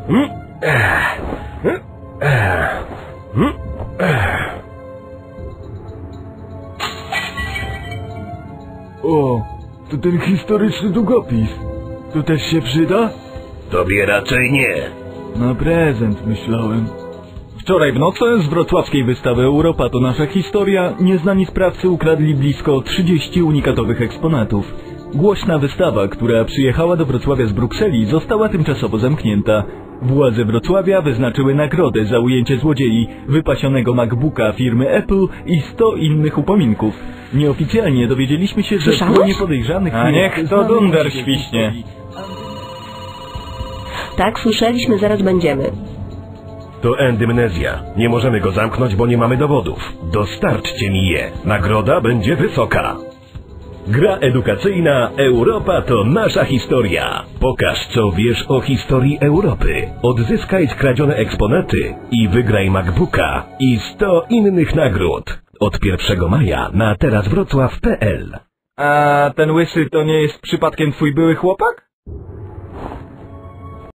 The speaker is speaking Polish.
O, to ten historyczny długopis. To też się przyda? Tobie raczej nie. Na prezent myślałem. Wczoraj w nocy z wrocławskiej wystawy Europa to nasza historia nieznani sprawcy ukradli blisko 30 unikatowych eksponatów. Głośna wystawa, która przyjechała do Wrocławia z Brukseli, została tymczasowo zamknięta. Władze Wrocławia wyznaczyły nagrodę za ujęcie złodziei, wypasionego MacBooka firmy Apple i 100 innych upominków. Nieoficjalnie dowiedzieliśmy się, że w gronie podejrzanych... A niech to dunder świśnie. Tak, słyszeliśmy, zaraz będziemy. To endymnezja. Nie możemy go zamknąć, bo nie mamy dowodów. Dostarczcie mi je. Nagroda będzie wysoka. Gra edukacyjna Europa to nasza historia. Pokaż, co wiesz o historii Europy. Odzyskaj skradzione eksponaty i wygraj MacBooka i 100 innych nagród. Od 1 maja na terazwrocław.pl. A ten łysy to nie jest przypadkiem twój były chłopak?